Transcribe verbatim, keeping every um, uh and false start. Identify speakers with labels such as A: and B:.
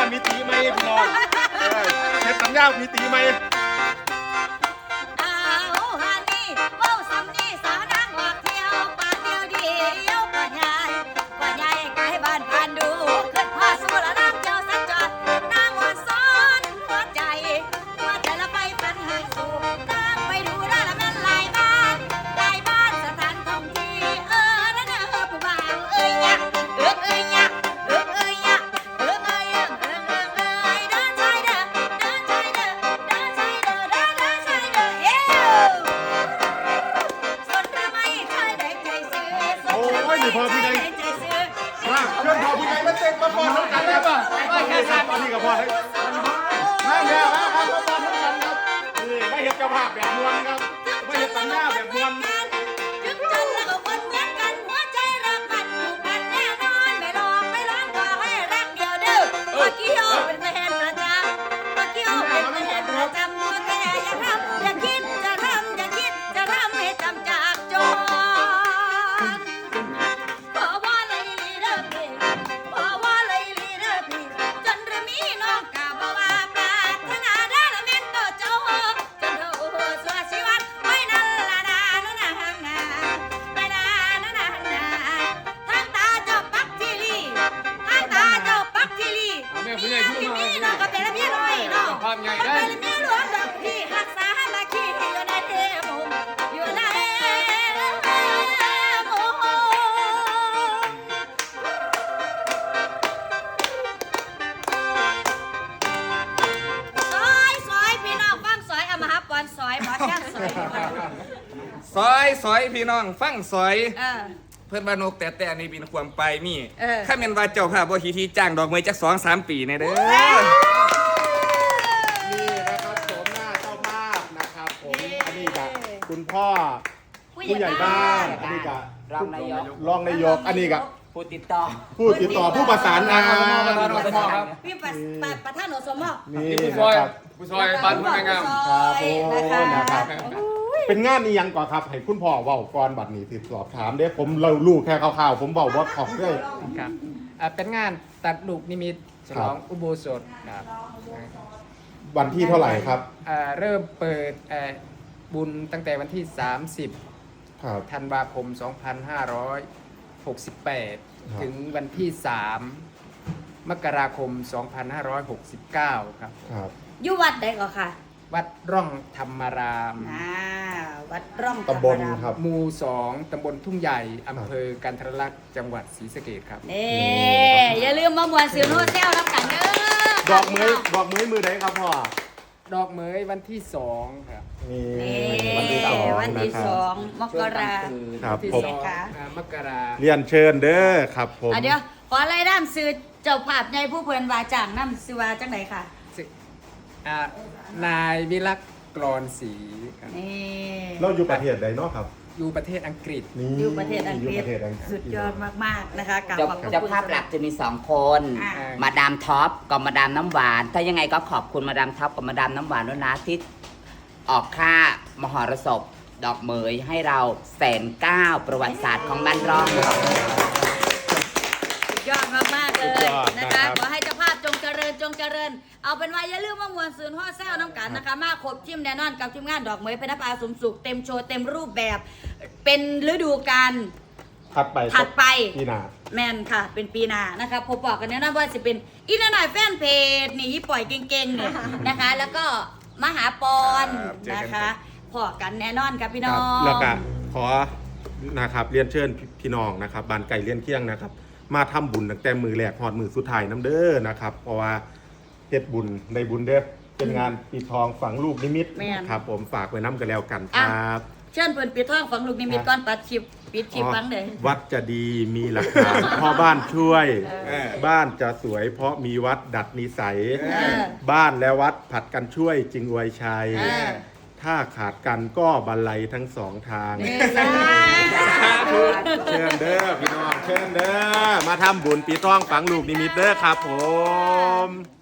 A: มีตีไหมพี่น้องเฮ็ดสัญญามีตีไหมพอพี่ไงมาเพื่อนพอพี่ไงมาเต้นมาปอนน้ำกันได้ป่ะไม่แค่สามตอนนี้กับพอเลยมาเนี่ยมามามาปอนน้ำกันครับนี่ไม่เห็นเจ้าภาพแบบมวนครับไม่เห็นสัญญาแบบมวน
B: ถึงจันแล้วก็คนเหมือนกันหัวใจรักกันผูกพันแน่นอนไม่หลอกไม่ล้างขอให้รักเดียวเด้อเมื่อกี้โอเป็นแฟนประจำเมื่อกี้โอเป็นแฟนประจำตัวแกอย่าทำอย่าคิดจะทำอย่าคิดจะทำให้จำจากจน
C: ซอยซอยพี่น้องฟังซอยเพื่อนบ้านนกแต่แต่ในปีนความไปมีข้าเมนว่าเจ้าภาพบ่ทีทีจ้างดอกเมยจักสองสามปีในเด้อ
A: นี่นะครับโฉมหน้าเจ้าภาพนะครับผมอันนี้กับคุณพ่อผู้ใหญ่บ้านอันนี้กับ
D: รองนายก
A: รองนายกอันนี้กับ
D: ผู้ติดต่อ
A: ผู้ติดต่อผู้ประสานงาน
B: พี่ประธานอสม
A: นี่นะครับ
C: ผู้ซอยบ้านผู้งาม
A: ครับโอ้นะครับเป็นงานนี้ยังก่อนครับให้คุณพ่อเว้าก่อนบัดนี้ติดสอบถามเด้ผมเราลูกแค่คร่าวๆผมเว้าว่าขอบด้วย
E: ครับเป็นงานตัดลูกนิมิตฉลองอุโบสถครับ
A: วันที่เท่าไหร่ครับ
E: เริ่มเปิดบุญตั้งแต่วันที่สามสิบธันวาคมสองพันห้าร้อยหกสิบแปดถึงวันที่สามมกราคมสองพันห้าร้อยหกสิบเก้าครับ
B: อยู่วัดใดก่อนค่ะ
E: วัดร่องธรรมาราม
B: อ่าวัดร่อง
A: ตำบลครับ
E: หมู่สองตำบลทุ่งใหญ่อำเภอกันทรลักษณ์จังหวัดศรีสะเกษครับ
B: นี่อย่าลืมมามวนซิลโนเซลรับกันเด้อ
A: ดอกมือดอกมือมือไหนครับพ่อ
E: ดอกเมยวันที่สองครับ
B: นี่วันที่สองวันที่สองมกรา
A: ครับ
E: ผมมกรา
A: เรียนเชิญเด้อครับผม
B: เดี๋ยวขอไล่น้ำซื้อเจ้าภาพในผู้เพิ่นวาจ่างน้ำซื้อวาจังไหนค่ะ
E: นายวิรักกรอนศรี
A: เราอยู่ประเทศใดเนาะครับ
E: อยู่ประเทศอังกฤษ
B: อยู่ประเทศอังกฤษสุดยอดมากๆนะคะกับ
D: เจ้าภาพหลักจะมีสองคนมาดามท็อปกับมาดามน้ำหวานถ้ายังไงก็ขอบคุณมาดามท็อปกับมาดามน้ำหวานด้วยนะที่ออกค่ามหรสพดอกเหมยให้เราแสนเก้าประวัติศาสตร์ของบ้านร่อง
B: สุดยอดมากๆเลยนะคะขอให้เจ้าภาพจงเจริญจงเจริญเอาเป็นว่าอย่าลืมว่ามวลซืนห่อแซวน้ำกันนะคะมาครบทีมแน่นอนกับทีมงานดอกเหมยเพชรปาสมสุขเต็มโชว์เต็มรูปแบบเป็นฤดูกาล
A: ถัดไป
B: ถัดไป
A: ปีหน้า
B: แมนค่ะเป็นปีหน้านะคะพบปะกันแน่นอนว่าจะเป็นอีนหน่อยแฟนเพจนี่ปล่อยเก่งๆเนี่ยนะคะแล้วก็มหาปอนนะคะพอกันแน่นอนครับพี่น้อง
A: แล้วก็ขอนะครับเรียนเชิญพี่น้องนะครับบ้านไก่เลี้ยนเคียงนะครับมาทำบุญตั้งแต่มือแรกหอดมือสุดท้ายน้ำเด้อนะครับเพราะว่าเฮ็ดบุญในบุญเด้อเป็นงานปิดทองฝังลูกนิมิตครับผมฝากไว้น้ำกันแล้วกันครับ
B: เชิญเปิดปิดทองฝังลูกนิมิตก่อนปัดชิบปิดชิบฟังเลย
A: วัดจะดีมีหลักฐานพ่อบ้านช่วยบ้านจะสวยเพราะมีวัดดัดนิสัยบ้านและวัดผัดกันช่วยจึงอวยชัยถ้าขาดกันก็บรรลัยทั้งสองทางเชิญเด้อพี่น้องเชิญเด้อมาทำบุญปีต้องฝังลูกนิมิตเด้อครับผม